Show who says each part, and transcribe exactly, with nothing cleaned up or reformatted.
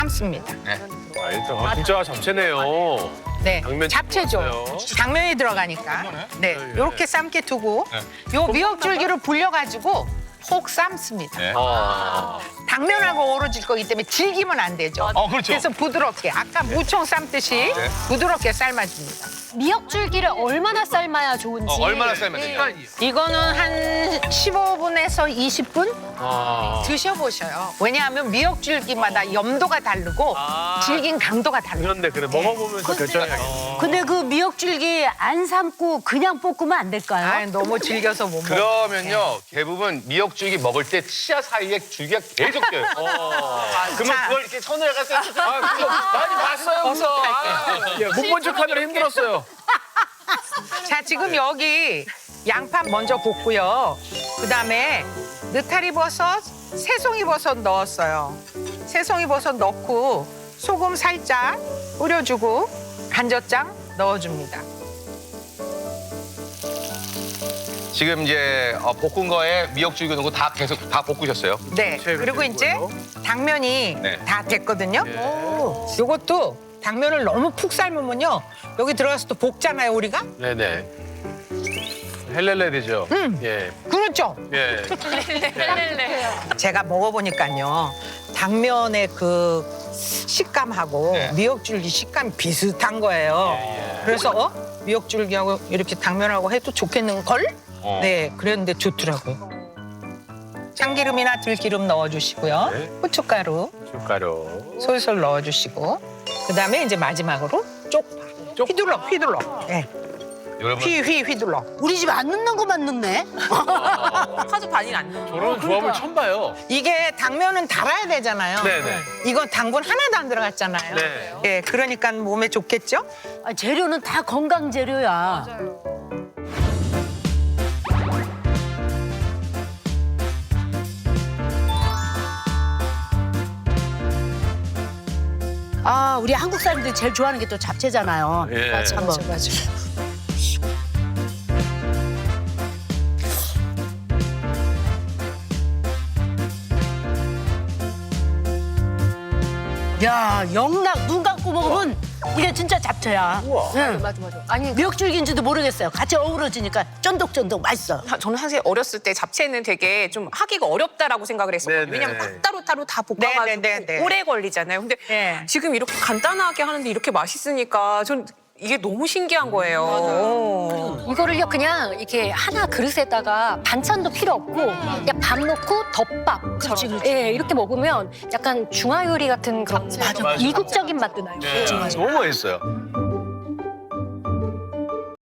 Speaker 1: 삶습니다.
Speaker 2: 알죠. 아, 진짜 잡채네요.
Speaker 1: 네,
Speaker 2: 당면
Speaker 1: 잡채죠.
Speaker 2: 들어갔어요.
Speaker 1: 당면이 들어가니까. 네, 이렇게 삶게 두고 요 미역줄기를 불려가지고 혹 삶습니다.
Speaker 3: 네.
Speaker 2: 아,
Speaker 1: 당면하고 어우러질 거기 때문에 질기면 안 되죠.
Speaker 3: 어, 그렇죠.
Speaker 1: 그래서 부드럽게 아까 무청 삶듯이 부드럽게 삶아줍니다.
Speaker 4: 미역줄기를 얼마나 삶아야 좋은지.
Speaker 3: 어, 얼마나 삶아야 되냐?
Speaker 1: 이거는 한 십오 분에서 이십 분
Speaker 2: 아.
Speaker 1: 드셔보셔요. 왜냐하면 미역줄기마다 염도가 다르고
Speaker 2: 아.
Speaker 1: 질긴 강도가 달라요.
Speaker 2: 그런데 그래 먹어보면서 결정해야겠네.
Speaker 5: 근데 그 미역줄기 안 삶고 그냥 볶으면 안 될까요?
Speaker 1: 아, 너무 질겨서 못 먹어요.
Speaker 3: 그러면요, 대부분 미역줄기 먹을 때 치아 사이에 줄기가 계속 껴요. 그러면
Speaker 1: 자.
Speaker 3: 그걸 이렇게 손으로 가서 아, 그거 많이 봤어요, 그거. 아.
Speaker 2: 예, 못본 척하느라 힘들었어요.
Speaker 1: 자, 지금 여기 양파 먼저 볶고요. 그다음에 느타리 버섯, 새송이 버섯 넣었어요. 새송이 버섯 넣고 소금 살짝 뿌려주고 간젓장 넣어줍니다.
Speaker 3: 지금 이제 어, 볶은 거에 미역줄기 넣고 다 계속 다 볶으셨어요.
Speaker 1: 네.
Speaker 2: 채
Speaker 1: 그리고 이제
Speaker 2: 되고요.
Speaker 1: 당면이
Speaker 3: 네.
Speaker 1: 다 됐거든요.
Speaker 2: 예.
Speaker 1: 요것도 당면을 너무 푹 삶으면요. 여기 들어가서 또 볶잖아요, 우리가.
Speaker 2: 네네. 헬렐레 되죠.
Speaker 1: 음.
Speaker 2: 예.
Speaker 1: 그렇죠.
Speaker 2: 예.
Speaker 1: 제가 먹어보니까요. 당면의 그 식감하고
Speaker 3: 네.
Speaker 1: 미역줄기 식감이 비슷한 거예요.
Speaker 2: 예.
Speaker 1: 그래서 어? 미역줄기하고 이렇게 당면하고 해도 좋겠는 걸?
Speaker 3: 어.
Speaker 1: 네, 그랬는데 좋더라고요. 참기름이나 들기름 넣어주시고요.
Speaker 2: 네.
Speaker 1: 후춧가루
Speaker 2: 숟가루.
Speaker 1: 솔솔 넣어주시고 그다음에 이제 마지막으로 쪽파.
Speaker 2: 쪽-
Speaker 1: 휘둘러, 휘둘러. 네.
Speaker 3: 여러분
Speaker 1: 휘, 휘, 휘둘러.
Speaker 5: 우리 집 안 넣는 것만 넣네.
Speaker 6: 카드 반이 안 넣어.
Speaker 2: 저런 조합을 처음 봐요.
Speaker 1: 이게 당면은 달아야 되잖아요.
Speaker 2: 네네.
Speaker 1: 이건 당분 하나도 안 들어갔잖아요.
Speaker 2: 네.
Speaker 1: 예, 그러니까 몸에 좋겠죠?
Speaker 5: 아, 재료는 다 건강 재료야. 아, 우리 한국 사람들이 제일 좋아하는 게 또 잡채잖아요.
Speaker 2: 예.
Speaker 1: 맞아, 맞아, 맞아.
Speaker 5: 야, 영락 눈 감고 먹으면 이게 진짜 잡채야.
Speaker 2: 우와.
Speaker 5: 응.
Speaker 6: 맞아 맞아. 아니
Speaker 5: 미역줄기인지도 모르겠어요. 같이 어우러지니까 쫀득쫀득 맛있어.
Speaker 6: 저는 사실 어렸을 때 잡채는 되게 좀 하기가 어렵다라고 생각을 했었거든요.
Speaker 2: 네네.
Speaker 6: 왜냐면 딱 따로따로 다 볶아가지고
Speaker 1: 네네네네.
Speaker 6: 오래 걸리잖아요. 근데
Speaker 1: 네.
Speaker 6: 지금 이렇게 간단하게 하는데 이렇게 맛있으니까 전 이게 너무 신기한 거예요.
Speaker 4: 이거를요 그냥 이렇게 하나 그릇에다가 반찬도 필요 없고 그냥 밥 넣고 덮밥처럼 예, 이렇게 먹으면 약간 중화 요리 같은 그런
Speaker 5: 맞아, 맞아.
Speaker 4: 이국적인 맛도 나요.
Speaker 2: 예.
Speaker 3: 너무 맛있어요.